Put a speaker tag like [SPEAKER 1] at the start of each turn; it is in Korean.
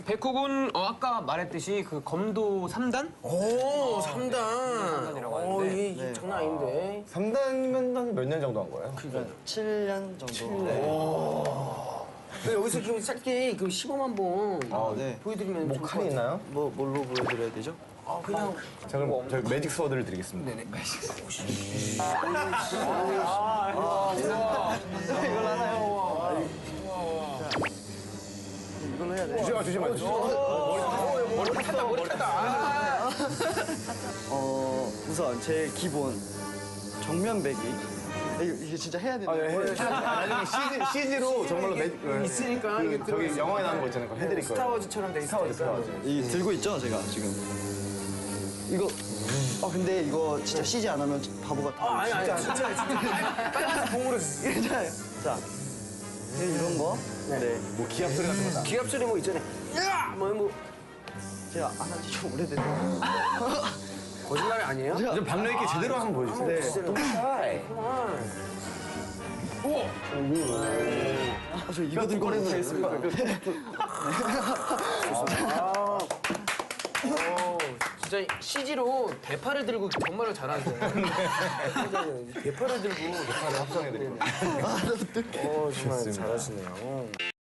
[SPEAKER 1] 백호군 아까 말했듯이 그 검도 3단?
[SPEAKER 2] 오, 3단.
[SPEAKER 1] 3단이라고 하는데.
[SPEAKER 2] 이게 장난 아닌데.
[SPEAKER 3] 3단이면 몇 년 정도 한 거예요?
[SPEAKER 4] 7년 정도.
[SPEAKER 2] 네. 여기서 좀 짧게 그 시범 한번
[SPEAKER 4] 네.
[SPEAKER 2] 보여드리면
[SPEAKER 3] 뭐 칼이 있나요?
[SPEAKER 4] 뭘로 보여드려야 되죠?
[SPEAKER 2] 그냥
[SPEAKER 3] 자, 그럼 저희 매직 스워드를 드리겠습니다.
[SPEAKER 2] 네네.
[SPEAKER 4] 이걸로 하나요? 이걸로 해야 돼.
[SPEAKER 3] 주시면 머리 탔다.
[SPEAKER 4] 우선 제일 기본 정면 배기. 이게 진짜 해야 되는 거예요.
[SPEAKER 3] 나중에 CG로 정말로 매직
[SPEAKER 2] 있으니까 이게
[SPEAKER 3] 저기 영화에 나오는 거 있잖아요. 그거 해드릴 거예요.
[SPEAKER 2] 스타워즈처럼 돼 있으니까.
[SPEAKER 3] 스타워즈.
[SPEAKER 4] 이 들고 있죠, 제가 지금. 이거. 근데 이거 진짜 CG 안 하면 바보 같아.
[SPEAKER 2] 아니 진짜 빨리 공으로
[SPEAKER 4] 괜찮아요. 자, 이런 거. 네.
[SPEAKER 3] 뭐 기합 소리 같은 거다.
[SPEAKER 2] 기합 소리 뭐 있잖아요. 야! 뭐
[SPEAKER 4] 제가 안 한 지 좀 오래됐는데.
[SPEAKER 2] 거짓말이 아니에요?
[SPEAKER 3] 좀 박력 있게 제대로 한번 보여주세요.
[SPEAKER 4] 네. 저 이거 들고 하겠습니다.
[SPEAKER 2] 진짜 CG로 대파를 들고 정말로 잘하세요. 대파를 들고
[SPEAKER 3] 합성해드리고.
[SPEAKER 2] 정말 잘하시네요.